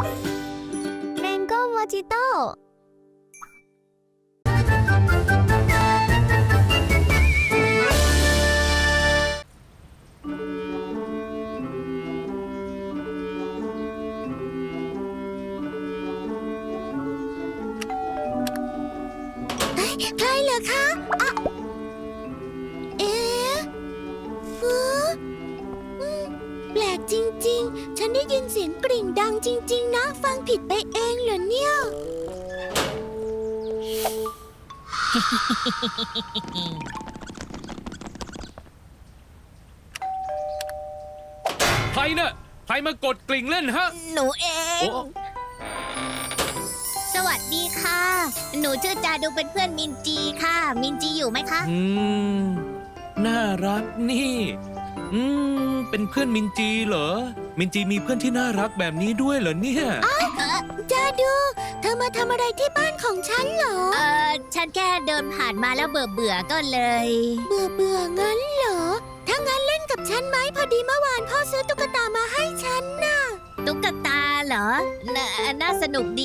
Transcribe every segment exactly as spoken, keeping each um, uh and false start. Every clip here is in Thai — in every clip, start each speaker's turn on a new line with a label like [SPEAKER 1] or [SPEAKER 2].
[SPEAKER 1] แมงโก้โมจิโต้ใครเหรอคะอะเอ๊ะฟืแปลกจริงๆ ฉันได้ยินเสียงกริ่งดังจริงๆ นะ ฟังผิดไปเองเหรอเนี่ย
[SPEAKER 2] ใครน่ะใครมากดกลิ่งเล่นฮะ
[SPEAKER 1] หนูเอง
[SPEAKER 2] โอ้
[SPEAKER 1] สวัสดีค่ะ หนูชื่อจาดูเป็นเพื่อนมินจีค่ะ มินจีอยู่ไหมคะ
[SPEAKER 2] อืมน่ารักนี่ อืมเป็นเพื่อนมินจีเหรอ มินจีมีเพื่อนที่น่ารักแบบนี้ด้วยเหรอเนี่ย
[SPEAKER 1] จาดู เธอมาทำอะไรที่บ้านของฉันเหรอ เออฉันแค่เดินผ่านมาแล้วเบื่อเบื่อก็เลย เบื่อเบื่องั้นเหรอ ถ้างั้นเล่นกับฉันไหมพอดีเมื่อวานพ่อซื้อตุ๊กตามาให้ฉันน่ะ ตุ๊กตาเหรอ น่าน่าสนุกดี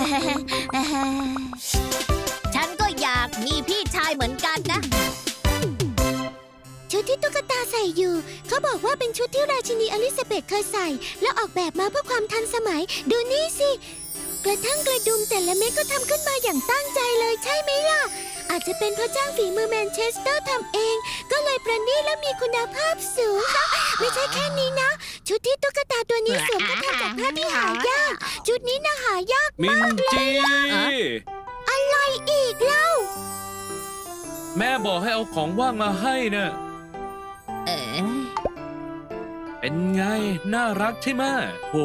[SPEAKER 1] ฉันก็อยากมีพี่ชายเหมือนกันนะ ชุดที่ตุ๊กตาใส่อยู่เขาบอกว่าเป็นชุดที่ราชินีอลิซาเบธเคยใส่ แล้วออกแบบมาเพื่อความทันสมัย ดูนี่สิ กระทั่งกระดุมแต่ละเม็ดก็ทำขึ้นมาอย่างตั้งใจเลยใช่ไหมล่ะ อาจจะเป็นเพราะจ้างฝีมือแมนเชสเตอร์ทำเอง ก็เลยประณีตและมีคุณภาพสูง ไม่ใช่แค่นี้นะ ชุดที่ตุ๊กตาตัวนี้สวมก็ทำจากผ้าที่หายาก ชุดนี้น่าหายาก
[SPEAKER 2] มินจี
[SPEAKER 1] อะไรอีกเล่า
[SPEAKER 2] แม่บอกให้เอาของว่างมาให้น่ะ
[SPEAKER 1] เอ๋
[SPEAKER 2] เป็นไง น่ารักใช่ไหมโอ้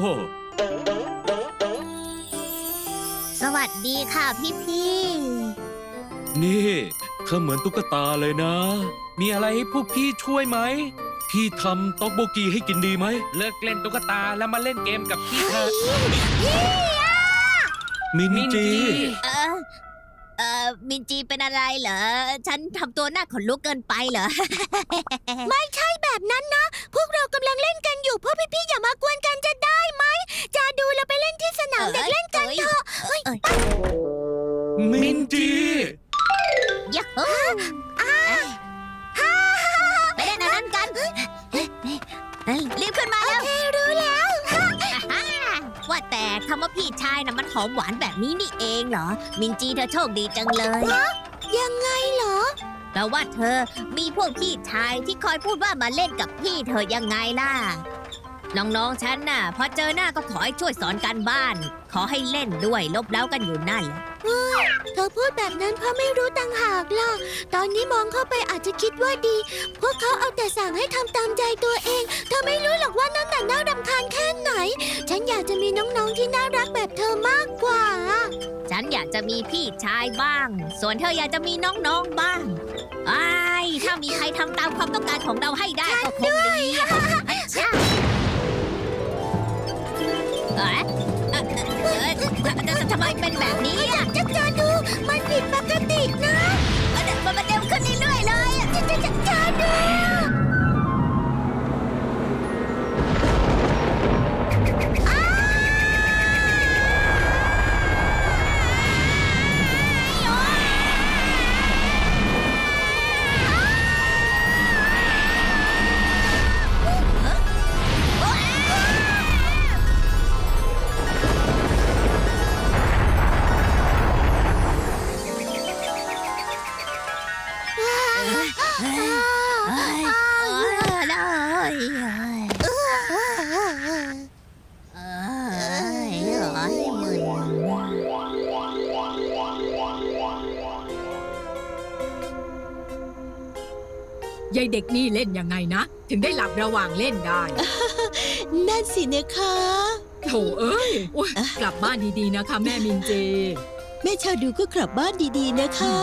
[SPEAKER 1] สวัสดีค่ะพี่พี่
[SPEAKER 2] นี่เธอเหมือนตุ๊กตาเลยนะ มีอะไรให้พวกพี่ช่วยไหม พี่ทำต๊อกโบกีให้กินดีไหม เลิกเล่นตุ๊กตาแล้วมาเล่นเกมกับพี่เถอะ
[SPEAKER 1] พี่อะ
[SPEAKER 2] มินจี
[SPEAKER 1] เออเออมินจีเป็นอะไรเหรอ ฉันทำตัวหน้าขนลุกเกินไปเหรอ ไม่ใช่แบบนั้นนะ พวกเรากำลังเล่นกันอยู่พวกพี่ๆอย่ามากวนกันจะได้ไหมจะดูเราไปเล่นที่สนามเด็กเล่นกันเถอะเฮ้ย
[SPEAKER 2] มินจี
[SPEAKER 1] ยะฮูไปเล่นอันนั้นกันรีบขึ้นมาแล้วโอเครู้แล้ว ว่าแต่คำว่าพี่ชายนะมันหอมหวานแบบนี้นี่เองเหรอ มินจีเธอโชคดีจังเลยยังไงเหรอแปลว่าเธอมีพวกพี่ชายที่คอยพูดว่ามาเล่นกับพี่เธอยังไงล่ะ น้องๆฉันน่ะพอเจอหน้าก็ขอให้ช่วยสอนการบ้าน ขอให้เล่นด้วยลบเล้ากันอยู่นั่นเธอพูดแบบนั้นเพราะไม่รู้ต่างหากล่ะ ตอนนี้มองเข้าไปอาจจะคิดว่าดี พวกเขาเอาแต่สั่งให้ทำตามใจตัวเอง เธอไม่รู้หรอกว่านั่นน่ะน่ารำคาญแค่ไหน ฉันอยากจะมีน้องๆที่น่ารักแบบเธอมากกว่า ฉันอยากจะมีพี่ชายบ้าง ส่วนเธออยากจะมีน้องๆบ้างไอ้ถ้ามีใครทำตามความต้องการของเราให้ได้ก็คงดีเอ๊ะทำไมเป็นแบบนี้อ่ะจะจะดูมันผิดปกตินะมันมันเร็วขึ้นเรื่อยๆเลยจะจะจะจะดู
[SPEAKER 3] ยายเด็กนี่เล่นยังไงนะ ถึงได้หลับระหว่างเล่นได้
[SPEAKER 4] นั่นสินะคะ
[SPEAKER 3] โถเอ้ยโอ๊ยกลับบ้านดีๆนะคะแม่มินเจ
[SPEAKER 4] แม่ชาดูก็กลับบ้านดีๆนะคะ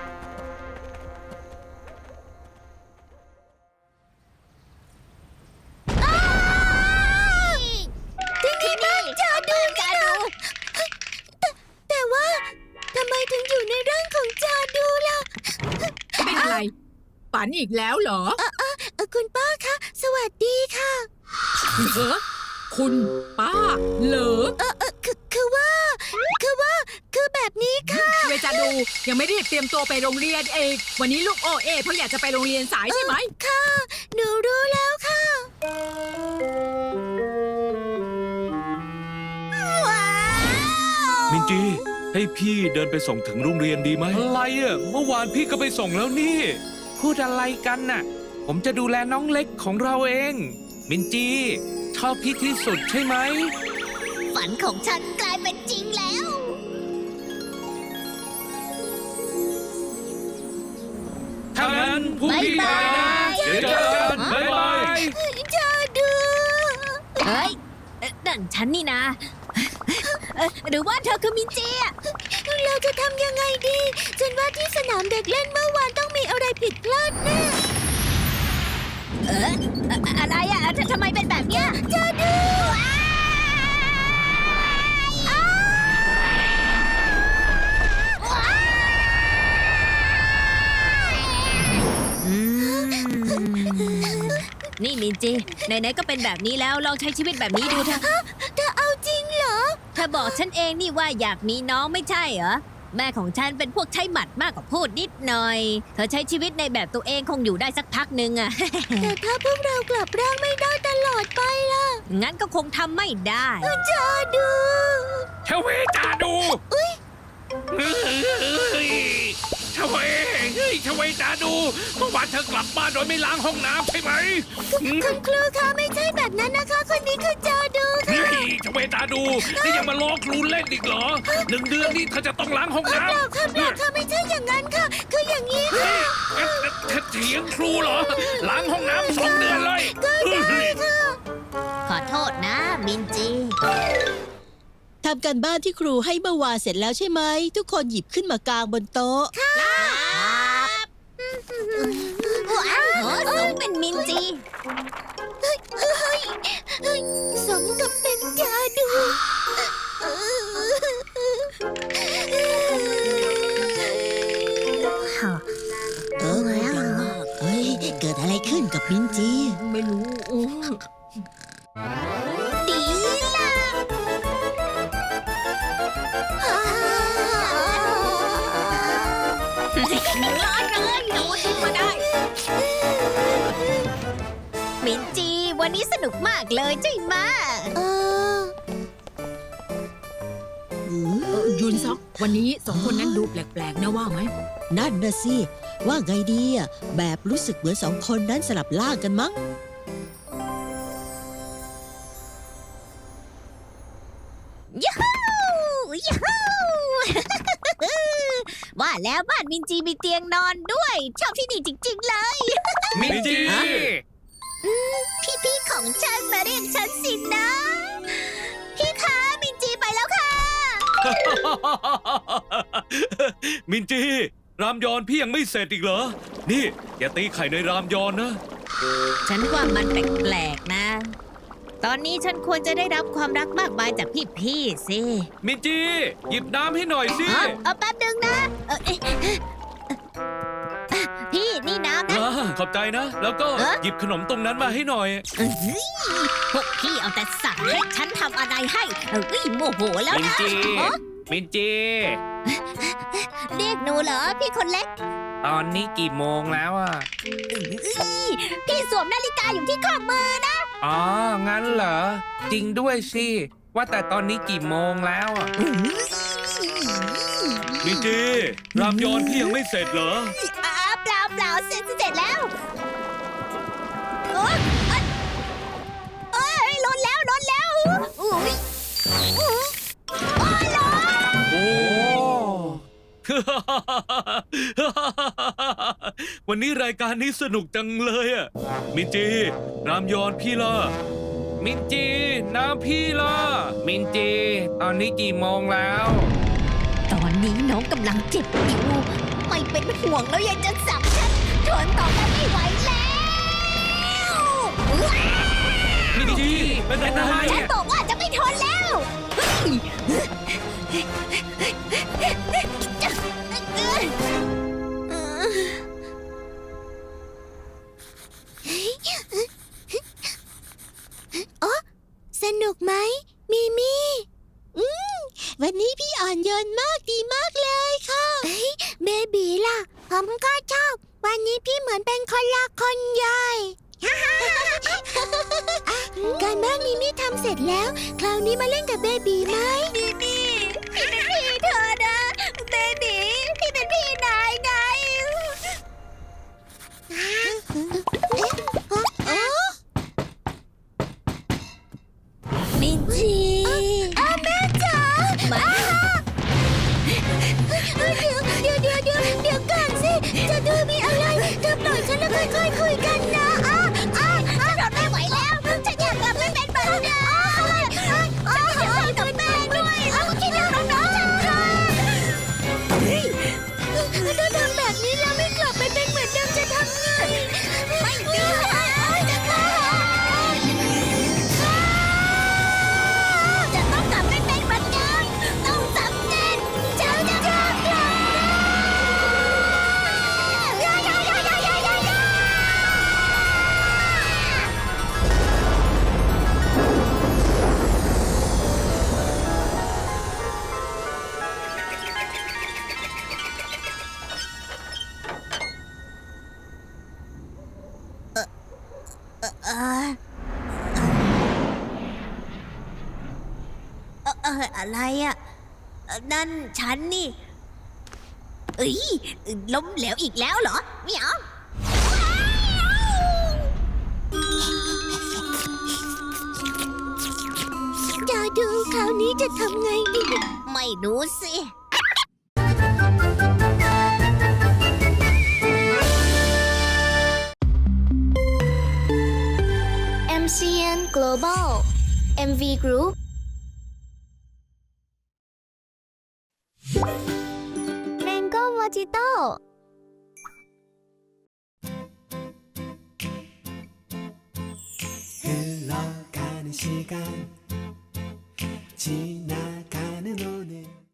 [SPEAKER 1] ที่นี่บ้านจาดูจาดูแต่ว่าทำไมถึงอยู่ในร่างของจาดูล่ะ
[SPEAKER 3] เป็นอะไรฝันอีกแล้วเหรอ
[SPEAKER 1] เออเออคุณป้าคะสวัสดีค่ะ
[SPEAKER 3] เออคุณป้าเหรอ
[SPEAKER 4] คือคือว่า คือว่า คือแบบนี้ค่ะ
[SPEAKER 3] เวจาดูยังไม่รีบเตรียมตัวไปโรงเรียนเองวันนี้ลูกโอเอเพราะอยากจะไปโรงเรียนสายใช่ไหม
[SPEAKER 4] ค่ะ หนูรู้แล้วค่ะ ว้าว
[SPEAKER 2] มินจี ให้พี่เดินไปส่งถึงโรงเรียนดีไหมอะไรอ่ะ เมื่อวานพี่ก็ไปส่งแล้วนี่ พูดอะไรกันน่ะ ผมจะดูแลน้องเล็กของเราเอง มินจี ชอบพี่ที่สุดใช่ไหม
[SPEAKER 1] ฝันของฉันกลายเป็นจริงแล้ว
[SPEAKER 2] ถ้างั้นพรุ่งนี้ไป
[SPEAKER 1] บ๊ายบาย
[SPEAKER 2] นะเดี๋ยวเจอกันบ๊ายบาย
[SPEAKER 4] เจอดู
[SPEAKER 1] เฮ้ยเอ่อนั่นฉันนี่นะเอ่อหรือว่าเธอคือมินจีอะ
[SPEAKER 4] เราจะทำยังไงดี ฉันว่าที่สนามเด็กเล่นเมื่อวานต้องมีอะไรผิดพลาดแน่
[SPEAKER 1] เออเอ่ออะไรอะททำไมเป็นแบบเนี้ย
[SPEAKER 4] เจอดู
[SPEAKER 1] อืมนี่มินจี ไหนๆก็เป็นแบบนี้แล้วลองใช้ชีวิตแบบนี้ดูเถอะ
[SPEAKER 4] เธอเอาจริงเหรอ
[SPEAKER 1] เธอบอกฉันเองนี่ว่าอยากมีน้องไม่ใช่เหรอ แม่ของฉันเป็นพวกใช้หมัดมากกว่าพูดนิดหน่อย เธอใช้ชีวิตในแบบตัวเองคงอยู่ได้สักพักหนึ่งอะ
[SPEAKER 4] แต่ถ้าพวกเรากลับร่างไม่ได้ตลอดไปล่ะ
[SPEAKER 1] งั้นก็คงทำไม่ได้
[SPEAKER 4] เจอดู
[SPEAKER 2] ชเวจาดูเฮ้ยชเวเฮ้ยชเวจาดูเมื่อวานเธอกลับบ้านโดยไม่ล้างห้องน้ำใช่ไหม
[SPEAKER 4] คุณครูคะไม่ใช่แบบนั้นนะคะ คนนี้คือเจอดู
[SPEAKER 2] เฮ้ยชเวจาดู นี่ยังมาล้อครูเล่นอีกเหรอ หนึ่งเดือนนี่เธอจะต้องล้างห้อง
[SPEAKER 4] เป
[SPEAKER 2] น้ำ
[SPEAKER 4] ล่าค่ะเปล่าค่ะไม่ใช่อย่างนั้นค่ะ คืออย่างนี้ค่ะ
[SPEAKER 2] เอ๊ะเธอเถียงครูเหรอ ล้างห้องน้ำสองเดือนเลยเฮ้ย
[SPEAKER 1] ขอโทษนะมินจี
[SPEAKER 4] ทำการบ้านที่ครูให้เมื่อวานเสร็จแล้วใช่ไหม ทุกคนหยิบขึ้นมากางบนโต๊ะ
[SPEAKER 1] ครับว้าวสมเป็นมินจี
[SPEAKER 4] สมกับเป็นจาดู เออเฮ้ย เกิดอะไรขึ้นกับมินจี
[SPEAKER 3] ไม่รู้โอ้
[SPEAKER 1] ดีล่ะ
[SPEAKER 3] ร้อนเลยหนูทิ้งมาได้
[SPEAKER 1] มินจี วันนี้สนุกมากเลยใช่ไหมะ
[SPEAKER 4] เออ
[SPEAKER 3] เออยุนซอกวันนี้สองคนนั้นดูแปลกๆนะว่าไหม
[SPEAKER 4] นั่นนะสิ ว่าไงดีอ่ะ แบบรู้สึกเหมือนสองคนนั้นสลับล่างกันมั้ง
[SPEAKER 1] ยูฮูยูฮู ว่าแล้วบ้านมินจีมีเตียงนอนด้วย ชอบที่นี่จริงๆเลย
[SPEAKER 2] มินจี
[SPEAKER 1] พี่ๆของฉันมาเรียกฉันสินะ พี่คะมินจีไปแล้วค่ะ
[SPEAKER 2] มินจี รามยอนพี่ยังไม่เสร็จอีกเหรอ นี่อย่าตีไข่ในรามยอนนะ
[SPEAKER 1] ฉันว่ามันแปลกๆนะ ตอนนี้ฉันควรจะได้รับความรักมากมายจากพี่ๆสิ
[SPEAKER 2] มินจี หยิบน้ำให้หน่อยสิ
[SPEAKER 1] เอ้าเอาแป๊บนึงนะเอ่อเอ๊ะพี่นี่น้ำนะ
[SPEAKER 2] อ่าขอบใจนะ แล้วก็
[SPEAKER 1] เอ๊ะ
[SPEAKER 2] หยิบขนมตรงนั้นมาให้หน่อย
[SPEAKER 1] เอ้ยพวกพี่เอาแต่สั่งให้ฉันทำอะไรให้เอ้ยโมโหแล้ว
[SPEAKER 2] มิน
[SPEAKER 1] นะ
[SPEAKER 2] จี
[SPEAKER 1] ฮะ
[SPEAKER 2] มินจี
[SPEAKER 1] เรียกหนูเหรอพี่คนเล็ก
[SPEAKER 2] ตอนนี้กี่โมงแล้วอ่ะ
[SPEAKER 1] เอ้ยพี่สวมนาฬิกาอยู่ที่ข้อมือนะ
[SPEAKER 2] อ๋อ งั้นเหรอ จริงด้วยสิ ว่าแต่ตอนนี้กี่โมงแล้วอ่ะ มินจี รามยอนพี่ยังไม่เสร็จเหรอ
[SPEAKER 1] อ่าเปล่าเปล่าเสร็จเสร็จแล้วโอ๊ยเอ้ยเอ้ยล้นแล้วล้นแล้วอุ้ยอุ๊ยโอ้ยล้น
[SPEAKER 2] โอ้ วันนี้รายการนี้สนุกจังเลยอ่ะ มินจี รามยอนพี่ล่ะ มินจี น้ำพี่ล่ะ มินจี ตอนนี้กี่โมงแล้ว
[SPEAKER 1] ตอนนี้น้องกำลังเจ็บอยู่ ไม่เป็นห่วงแล้วยังจะสั่งฉันทนต่อไปไม่ไหวแล้วอุ๊ย
[SPEAKER 2] มินจี เป็นอะไร
[SPEAKER 1] ฉันบอกว่าจะไม่ทนแล้วเฮ้ย
[SPEAKER 4] อนโยนมากดีมากเลยค่ะเบบีล่ะผมก็ชอบวันนี้พี่เหมือนเป็นคนละคนใหญ่ การบ้านมิมี่ทำเสร็จแล้วคราวนี้มาเล่นกับเบบีไหมมิมี่พี่เป็นพี่เธอนะเบบีพี่เป็นพี่นายไงมินจีอ้าแม่จ๋ามาเดี๋ยวเดี๋ยวเดี๋ยวเดี๋ยวเดี๋ยวก่อนสิจะดูมีอะไรเธอปล่อยฉันแล้วค่อยๆคุยกันนะอ้าอ้าอ้าฉันทนไม่ไหวแล้วฉันอยากกลับไปเป็นแบบเดิมอ้าอ้าอ้าฉันอยากกลับไปด้วยอ้าคิดเรื่องน้องๆฉันค่ะเฮ้ยถ้าทำแบบนี้แล้วไม่กลับไปเป็นเหมือนเดิมจะทำไงไม่ดีจะฆ่าจะต้องกลับไปเป็นเหมือนเดิมต้องสำเร็จฉันจะกลับยายายายายายายาเออเออเอออะไรอ่ะเอ่อนั่นฉันนี่เอ้ยล้มเหลวอีกแล้วเหรอเหมียวจะดูคราวนี้จะทำไงดี ไม่รู้สิ
[SPEAKER 5] เอ็ม ซี เอ็น Global เอ็ม วี Group Mango Mojito
[SPEAKER 6] 흘러가는 시간 지나가는 오늘